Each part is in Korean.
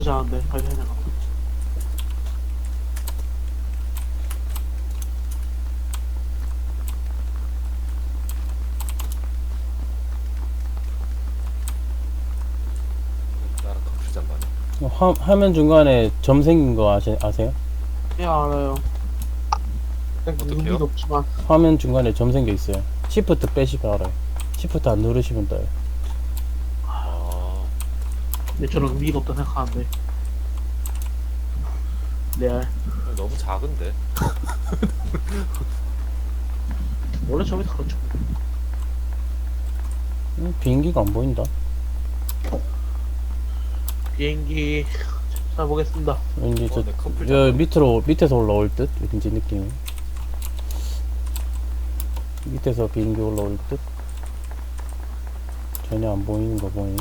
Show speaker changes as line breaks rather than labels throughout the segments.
잘하는데 빨리 해내가.
나랑 커플 잠바네.
화면 중간에 점 생긴 거 아세요?
예 알아요.
어떡해요?
의미도 없지만
화면 중간에 점 생겨 있어요. 시프트 빼시면 알아요. 시프트 안 누르시면 떠요.
아,
근데 저는 의미가 없다 생각하는데. 레알.
너무 작은데.
원래 저게 다 그렇죠.
비행기가 안 보인다.
비행기 타보겠습니다.
왠지
내 커플
저
잠바.
밑에서 올라올 듯? 왠지 느낌이. 밑에서 비행기 올라올 듯? 전혀 안 보이는 거 보니.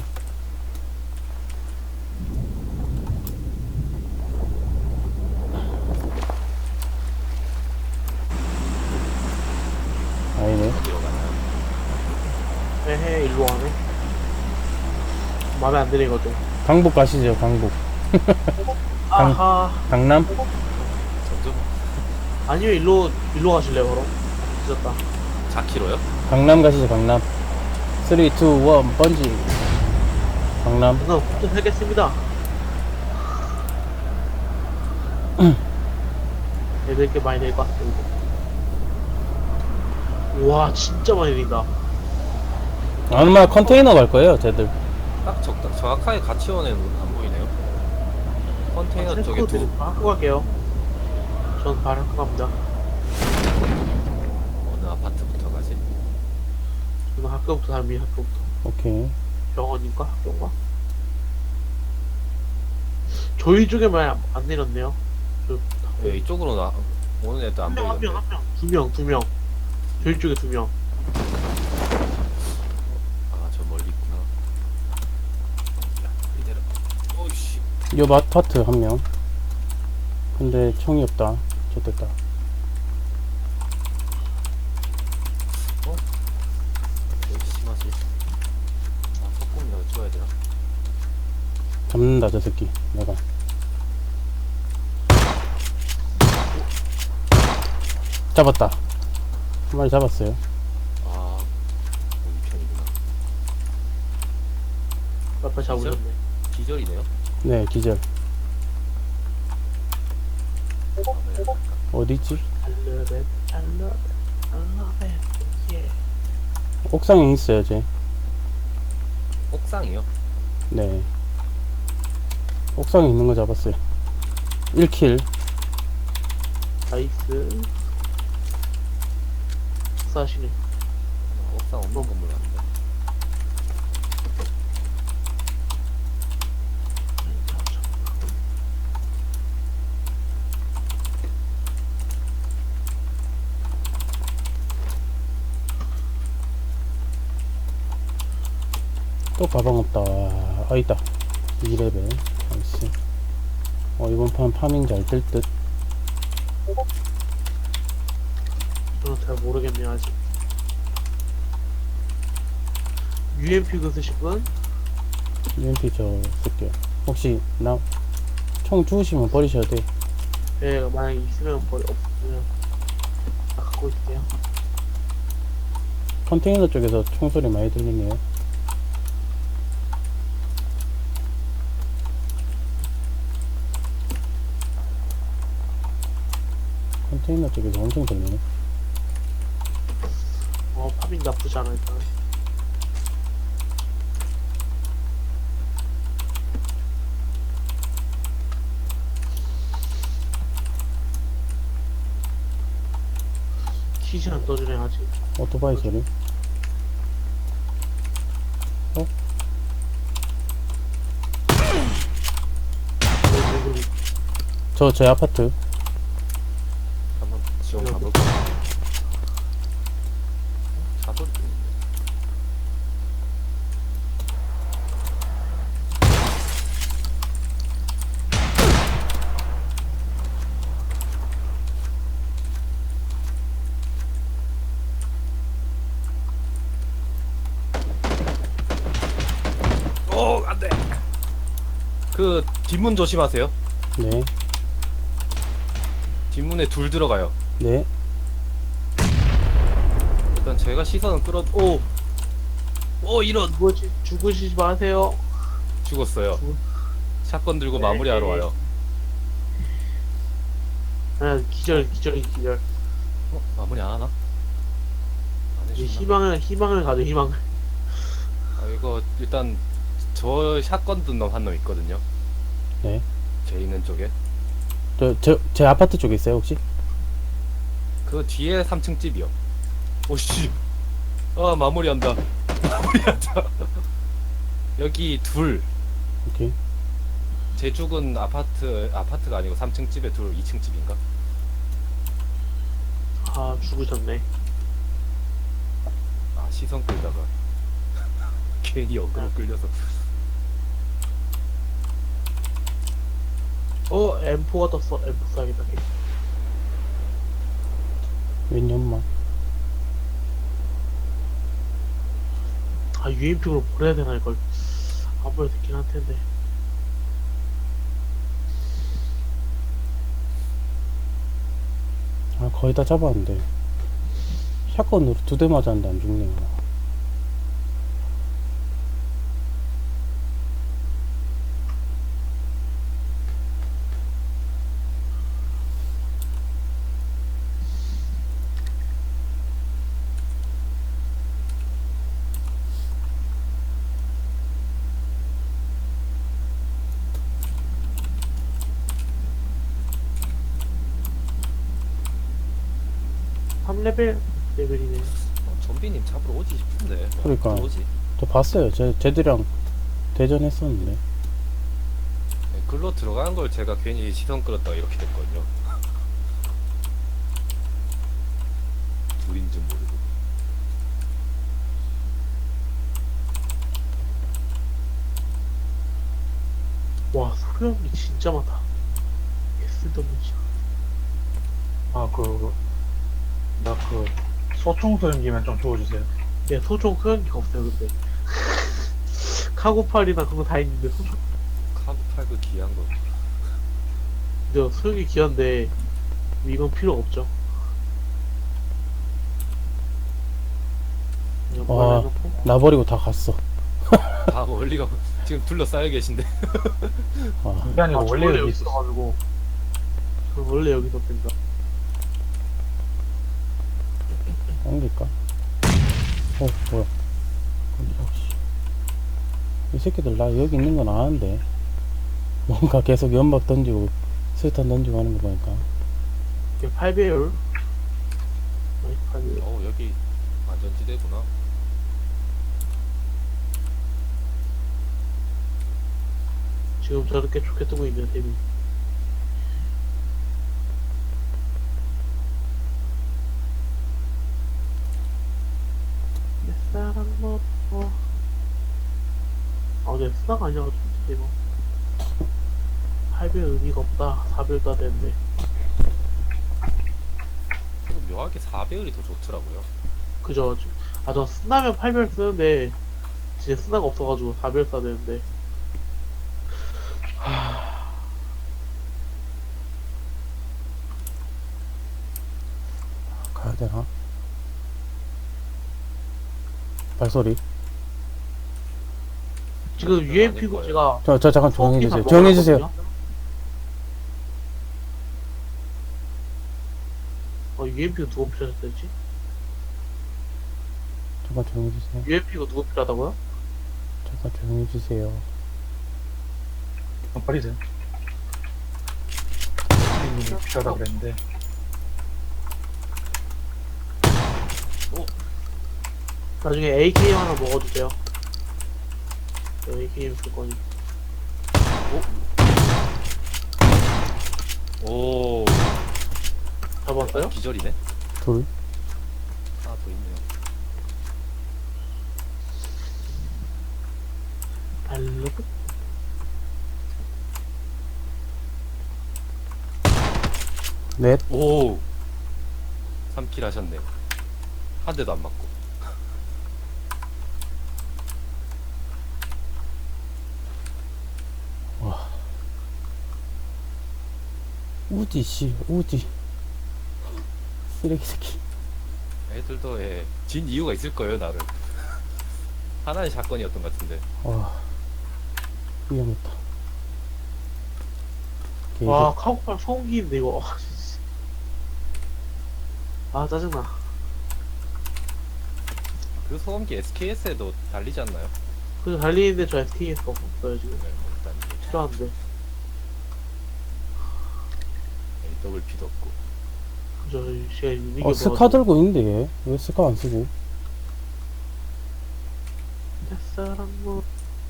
아니네.
어디로 가나요?
에헤 일로 와네. 마음에 안 드는 거죠.
강북 가시죠, 강북.
아하.
강남?
점점
아니요 일로 가실래요 그럼? 늦었다.
4km요?
강남 가시죠, 강남. 3, 2, 1, 번지. 강남.
우선 부터 하겠습니다. 애들 게 많이 내릴 것 같습니다. 와 진짜 많이 내린다.
아마 컨테이너 갈 거예요, 쟤들.
딱 정확하게 같이 오는 안 보이네요. 컨테이너 쪽에 두
학교 갈게요. 전 바로 학교 갑니다.
어느 아파트부터 가지?
저는 학교부터 다닙니다. 학교부터.
오케이.
병원인가? 학교인가? 저희 쪽에만 안 내렸네요.
왜 이쪽으로 오는 애도 안 보이는데.
두 명. 저희 쪽에 2명.
아, 저 멀리 있구나. 야, 이대로. 오이씨.
옆 아파트 한 명. 근데 총이 없다. 좋됐다.
왜 심하지? 아, 석궁이라도 찍어야 되나?
잡는다, 저 새끼. 내가. 잡았다. 한 마리 잡았어요.
아, 우리 편이구나.
아빠 잡으셨네.
기절이네요?
네, 기절.
아, 네.
어디있지?
I love it, I love it, I love it, yeah.
옥상에 있어요, 쟤.
옥상이요?
네. 옥상에 있는 거 잡았어요. 1킬.
나이스. 사시네.
옥상 없는 건물 같은데.
또 가방 없다. 아, 있다. 2레벨. 나이스. 이번 판 파밍 잘 될 듯.
저는 잘 모르겠네요 아직. UMP 그 쓰실 분?
UMP 저 쓸게요. 혹시 총 주우시면 버리셔야 돼.
예, 만약에 있으면 없으면 갖고 있을게요.
컨테이너 쪽에서 총소리 많이 들리네요. 컨테이너 쪽에서 엄청 들리네.
파밍 나쁘지 않아 일단. 키즈 안 떠주네 아직.
오토바이 소리. 저 아파트.
한번 지원 가볼까? 사소리 들리는데. 오, 안 돼! 뒷문 조심하세요.
네.
뒷문에 둘 들어가요.
네.
일단 제가 시선은 끌어. 오 이런.
죽으시지 마세요.
죽었어요. 샷건 들고
네.
마무리하러 와요.
아, 기절.
마무리 안 하나? 안
이제
해주나?
희망을 가져, 희망을.
아 이거 일단 저 샷건 든 놈 한 놈 있거든요.
네.
제 있는 쪽에.
제 아파트 쪽에 있어요, 혹시?
그 뒤에 3층 집이요. 오씨. 아 마무리한다. 마무리한다. 여기 둘.
오케이.
제 죽은 아파트가 아니고 3층 집에 둘, 2층 집인가?
아, 죽으셨네.
아 시선 끌다가 괜히 어그로 끌려서.
M4가 떴어. M4 쏴야겠다.
웬 연마.
아, UMP로 보내야 되나, 이걸. 안 보내도 되긴 할 텐데.
아, 거의 다 잡았는데. 샷건으로 2대 맞았는데 안 죽네요.
레벨이네.
좀비님 잡으러 오지 싶은데.
그러니까.
오지.
저 봤어요. 쟤들이랑 대전했었는데.
네, 글로 들어가는 걸 제가 괜히 시선 끌었다가 이렇게 됐거든요. 둘인 줄 모르고.
와, 소형이 진짜 많다. 쓸데없는 시
나 소총 소형기만 좀 주워주세요.
네, 소총 소형기가 없어요, 근데. 카고팔이나 그런 거 다 있는데, 소총.
카브8 그 귀한 거.
근데 소형기 귀한데, 이건 필요 없죠. 그냥
와.
해놓고.
나 버리고 다 갔어.
다 멀리 가고 지금 둘러싸여 계신데.
아,
그게 아니고 원래
원래
여기
여기
있어가지고
저 원래 여기서 뺀다.
옮길까? 뭐야. 깜짝이야, 씨. 이 새끼들 나 여기 있는 건 아는데. 뭔가 계속 연막 던지고, 수류탄 던지고 하는 거 보니까.
이게 8배율. 8배율.
여기 안전지대구나.
지금 저렇게 좋게 뜨고 있는 데미. 내 사랑 먹고. 내 수다가 아니라가지고 진짜 이거 8배율 의미가 없다. 4배율 따야 되는데.
그리고 묘하게 4배율이 더 좋더라고요.
그죠? 저 쓰나면 8배율 쓰는데 진짜 쓰나가 없어가지고 4배율 써야 되는데.
가야 되나? 발소리.
지금
아닐
UMP고
거예요.
제가
저 잠깐 조용히
소음기만
해주세요. 조용히 해주세요.
먹어놨거든요. UMP가 누가 필요하셨지?
잠깐 조용히 해주세요.
UMP가 누가 필요하다고요?
잠깐 조용히 해주세요.
버리세요. 님이 필요하다 그랬는데
나중에 AKM 하나 먹어주세요. 저 AKM 쓸 거니.
오.
잡았어요?
기절이네.
둘.
하나 더 있네요.
알로그?
넷.
오. 3킬 하셨네. 한 대도 안 맞고.
우지 씨 우지 쓰레기 새끼.
애들도 진 이유가 있을 거예요 나를. 하나의 사건이었던 것 같은데.
와 위험했다.
와 카고팔 소음기인데 이거. 아 짜증나.
그 소음기 SKS에도 달리지 않나요?
그래서 달리는데 저 SKS가 없어요 지금.
네, 일단
필요한데.
AWP도 없고.
저 시간 이게
스카 들고 있는데 얘 왜 스카 안 쓰고?
사람 뭐.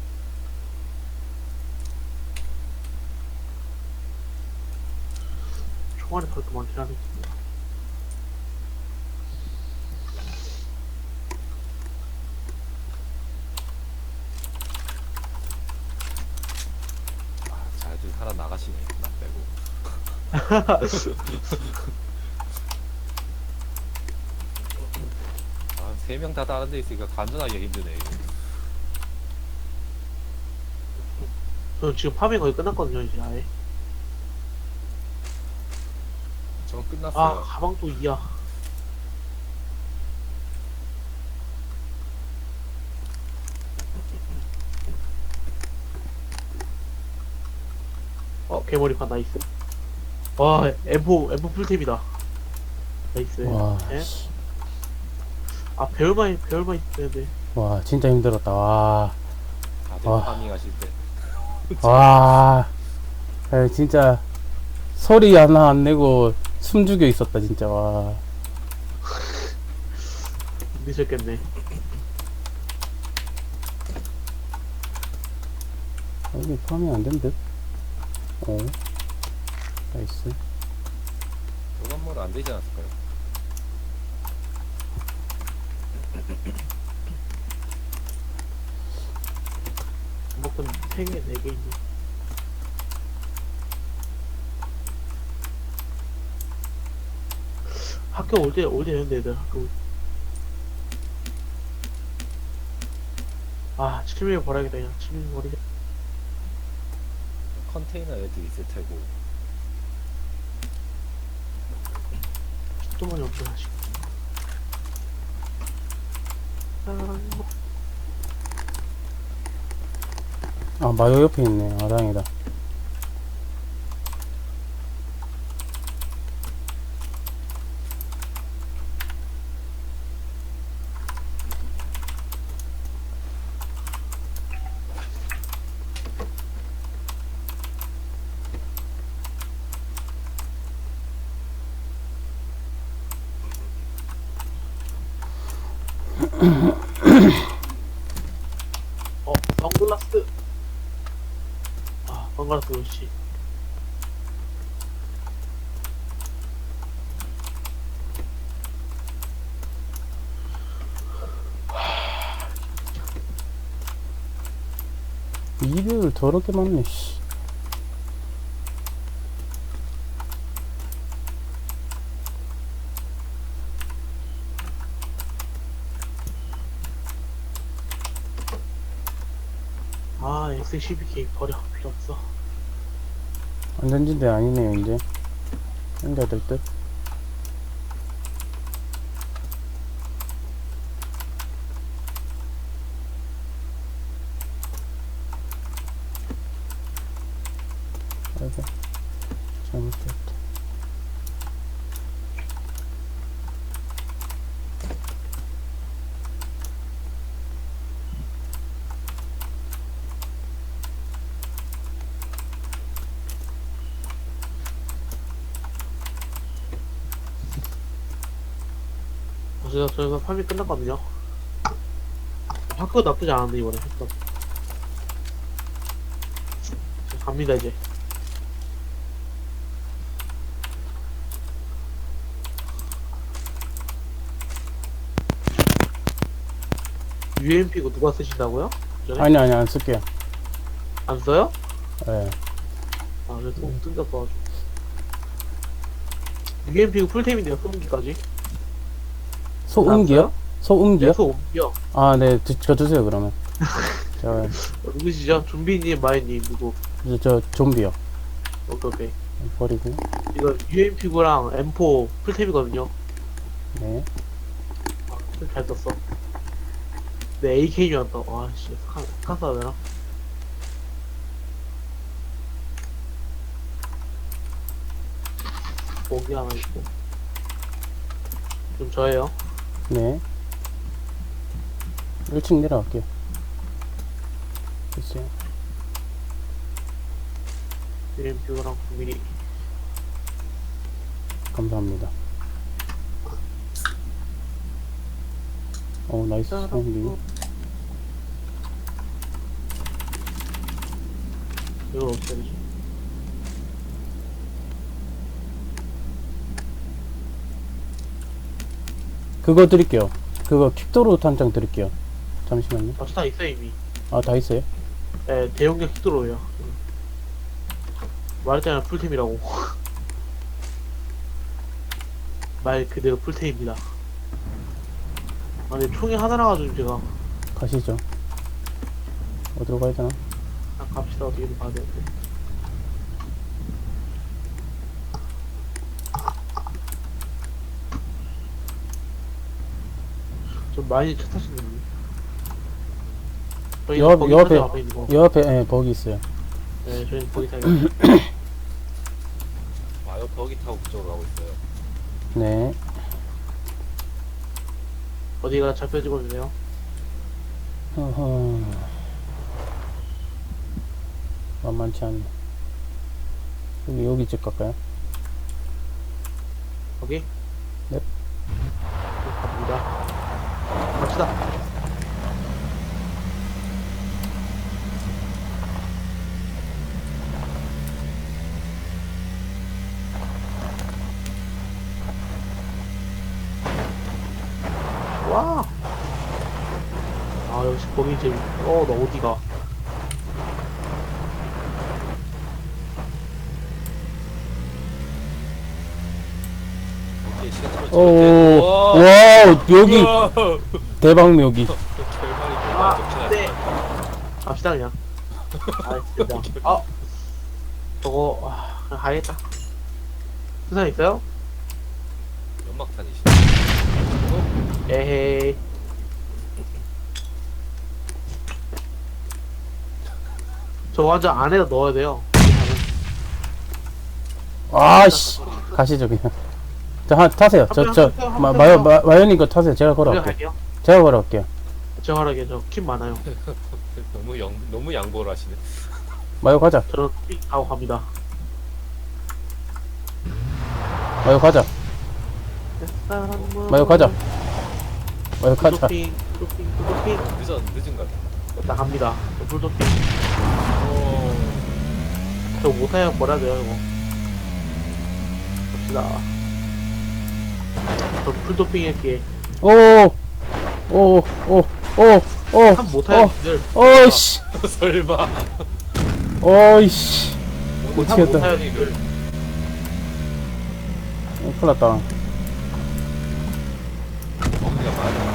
총알이 그렇게 많긴 하네.
잘들 살아 나가시네 나 빼고. 아, 3명 다 다른 데 있으니까 간전하기 힘드네 이거.
저는 지금 파밍 거의 끝났거든요 이제 아예.
저
아
끝났어요.
가방 또 2야. 개머리판 나이스. 와 M4 풀템이다. 나이스.
와,
예? 아 배열만 있어야돼.
와 진짜 힘들었다. 와,
다들
와.
파밍하실 때.
와, 에이, 진짜 소리 하나 안 내고 숨 죽여 있었다 진짜. 와,
힘드셨겠네.
여기 파밍 안 된 듯? 어, 나이스.
저 건물 안 되지 않았을까요?
먹던 3개 4개 있네. 학교 올 때 되는데 애들 학교. 아 7mm 버려야겠다 그냥. 7mm 버리자.
컨테이너 애들 있을 테고.
또 많이 없구나 지금.
아 마요 옆에 있네. 아 다행이다.
선글라스. 아 선글라스 그렇지.
이별 더럽게 많네. 씨.
아 X12K 버려. 필요 없어.
안전지대 아니네요 이제. 생겨야 될 듯. 아이고 잘못했다.
저희가 파밍 끝났거든요. 학교 나쁘지 않은데 이번에 학교. 갑니다 이제. UMP 고 누가 쓰신다고요? 전에?
아니 안 쓸게요.
안 써요?
예.
아 그래 또 뜬다고. UMP 고 풀템인데요 소음기까지.
소음기요? 소음기요?
소음기요.
아, 네, 저 주세요, 그러면. 저,
누구시죠? 좀비님, 마이님 누구?
저 좀비요.
오케이.
버리고.
이거 UMP구랑 M4 풀템이거든요.
네.
잘 썼어. 네, AK였다. 와, 씨. 스카스 해야 되나? 목이 하나 있고. 좀 저예요.
네. 1층 내려갈게요. 글쎄요.
UMP구랑 9mm.
감사합니다. 나이스 사운드.
이걸 어떻게 해야 되지?
그거 드릴게요. 그거 킥도로 탄창 드릴게요. 잠시만요.
아, 스타 있어, 이미.
아, 다 있어요?
네, 대용량 킥도로예요. 말했잖아, 풀템이라고. 말 그대로 풀템입니다. 아, 근데 총이 하나라 가지고 제가
가시죠. 어디로 가야 되나?
그냥 갑시다. 어떻게든 가야 되는데. 좀 많이 차 타시는 분. 저희
요
거기
앞에,
사장 앞에 있는 거.
요 앞에, 예, 버기 있어요.
네, 저희는 거기 타요.
와요 버기 타고 그쪽으로 가고 있어요.
네.
어디가 잡혀 찍어주세요.
어허. 만만치 않네. 여기 집 갈까요?
거기?
네.
갑니다. 갑시다. 와! 아, 역시 거기 재밌. 너 어디가?
오케이 시트로
오,
와.
와, 여기,
우와.
대박 묘기.
결말이
아,
좋긴
네.
하지만
갑시다, 그냥. 아, 진짜. 아, 저거, 그냥 가야겠다. 수산 있어요?
연막탄이시네.
에헤이. 저 완전 안에다 넣어야 돼요.
아씨. 가시죠, 그냥. 타세요. 마연님 거 타세요. 제가
제가
걸어갈게요.
갈게요.
제가 걸어갈게요.
저 하라게 저킴 많아요.
너무 양보를 하시네.
마요 가자.
저는 픽 하고 갑니다.
마요 가자. 마요 가자. 마요 가자.
불도핑, 불도핑, 불도핑.
늦은 것 같아.
나 갑니다. 저 불도핑.
오.
저 못하면 뭐라 돼요, 이거. 갑시다. 저 불도핑 할게.
오, 오, 오, 오, 오,
참 못하는 분들.
어이씨,
설마.
어이씨.
참
미치겠다.
못하는 분들.
큰일 났다.
버기가 많아.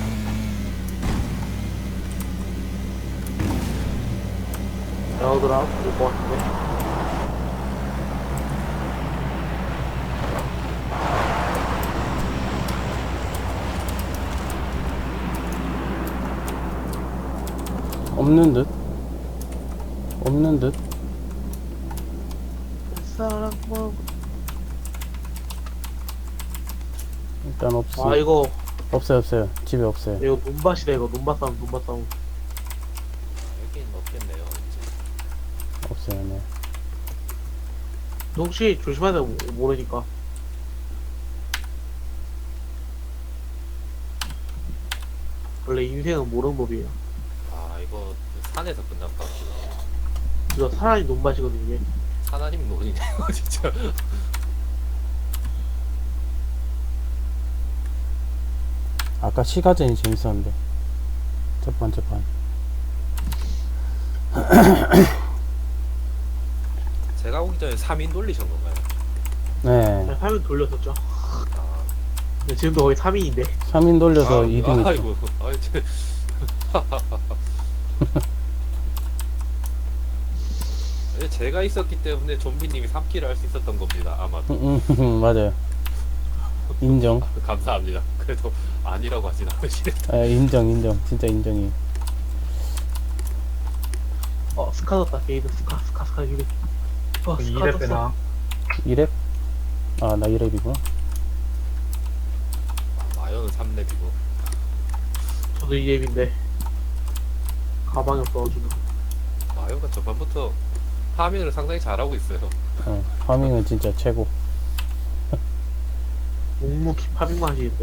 여우들아, 될것 같은데.
없는 듯. 없는 듯.
사람 뭐.
일단 없어.
아, 이거,
없어요. 집에 없어요.
이거 논밭이다, 이거. 논밭 싸움, 논밭 싸움.
여긴 없겠네요. 이제.
없어요, 네.
혹시 조심해야 돼, 모르니까. 원래 인생은 모르는 법이에요.
아 이거 산에서 끝난 것 같기도 해요.
이거 사람이 논밭이거든요, 이게.
하나님 논이네요 진짜.
아까 시가전이 재밌었는데. 첫 번째 판.
제가 오기 전에 3인 돌리신 건가요?
네.
3인 돌렸었죠.
아,
근데 지금도 거의 3인인데.
3인 돌려서 2등 했죠.
아이고, 아이, 저, 제가 있었기 때문에 좀비님이 3킬을 할 수 있었던 겁니다. 아마도.
맞아요. 인정.
감사합니다. 그래도 아니라고 하진 않으시네.
인정. 진짜 인정이.
스카 떴다. 게이드 스카 유리.
그
스카
2렙
떴어.
배낭.
2렙? 아, 나 2렙이구나.
마요는 3렙이고.
저도 EM인데 가방이 없어가지고.
마요가 저번부터 파밍을 상당히 잘하고 있어요.
파밍은 진짜 최고.
묵묵히 파밍만 하시는데.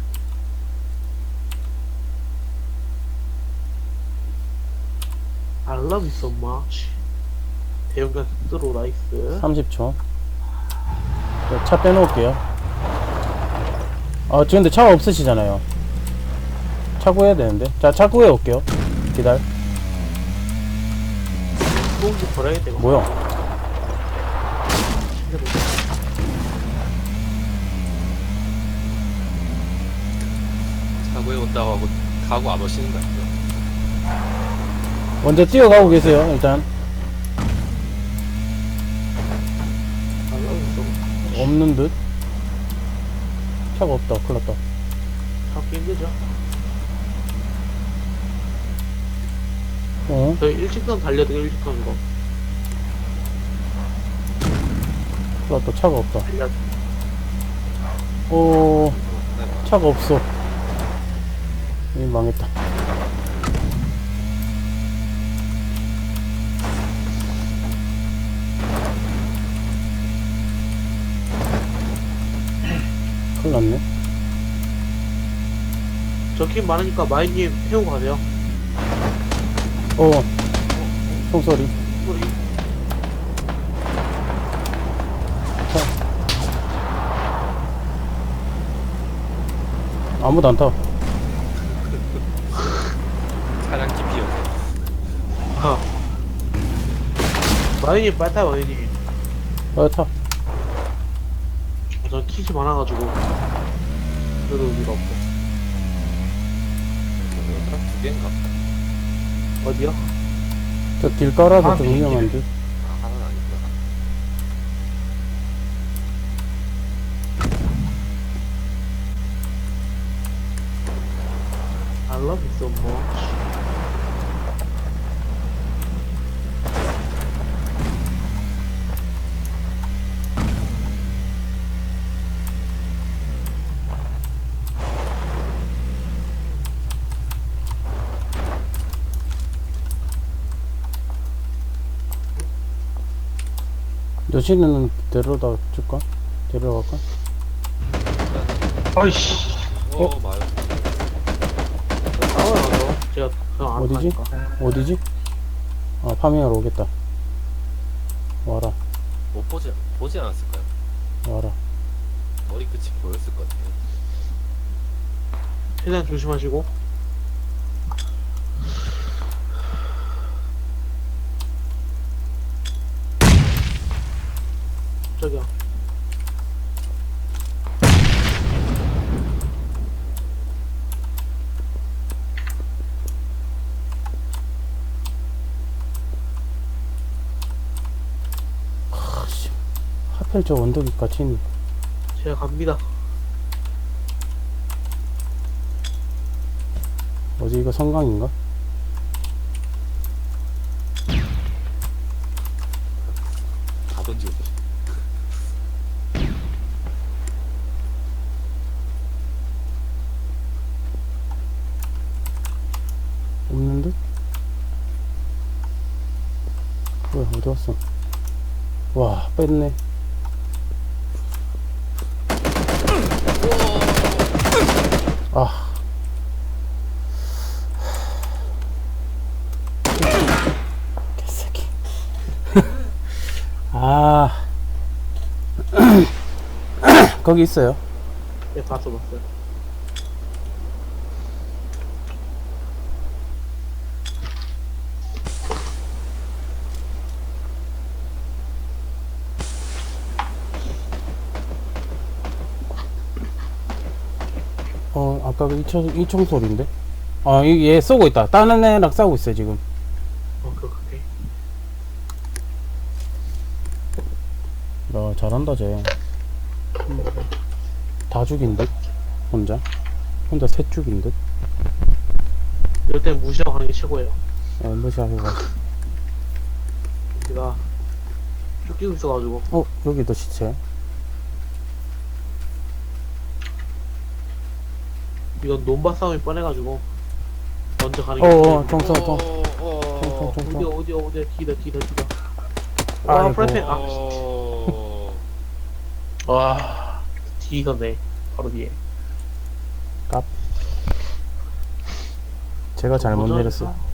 I love you so much. 대형견 스스로 나이스.
30초. 차 빼놓을게요. 근데 차가 없으시잖아요. 차 구해야 되는데. 자, 차 구해 올게요. 기다려.
소음기 버려야겠다 이거.
뭐야?
차고에 온다고 하고 가고 안 오시는 거 아니죠?
먼저 뛰어가고 계세요, 일단.
I love you so much.
없는 듯. 차가 없다. 큰일 났다.
잡기 힘들죠.
큰일
저희 일직선 달려도 일직선 이거.
났다. 차가 없다.
달려.
차가 없어. 망했다. 큰일 났네.
저킴 많으니까 마이님 태우고 가세요.
총소리.
소리.
아무도 안 타.
차량 깊이여서.
마이님 빨리 타요 마이님.
타.
전 킷이 많아가지고 그래도 의미가 없어.
딱 2개인가?
어디요?
저 길가라서 좀
길.
위험한 듯.
하나는 아니구나.
I love you so much.
여신은 데려다 줄까? 데려갈까?
아이씨.
마요.
싸워요. 제가 그냥 안
어디지?
하니까.
어디지? 파밍하러 오겠다. 와라.
못 보지 않았을까요?
와라.
머리 끝이 보였을 것 같아요.
최대한 조심하시고. 저기요.
하필 저 언덕이 같이 있네.
제가 갑니다.
어디 이거 성강인가?
다 던지고 계셔.
없는 듯? 뭐야, 어디 갔어? 와, 뺐네. 아. 개새끼. 거기 있어요.
네, 봤어요.
아까 그 이총 소리인데? 얘 쏘고 있다. 다른 애랑 싸우고 있어요, 지금.
그렇게.
야, 잘한다, 쟤. 다 죽인 듯? 혼자 셋 죽인 듯?
이럴 땐 무시하고 가는 게 최고예요.
무시하고 가.
제가 쫓기고 있어가지고.
여기도 시체.
이건 논바 싸움이 뻔해가지고 먼저 가는 게
총선.
어디 뒤다
아이고.
와 프라이팬
어...
와 뒤졌네 바로 뒤에.
제가 잘못
도전-
내렸어요.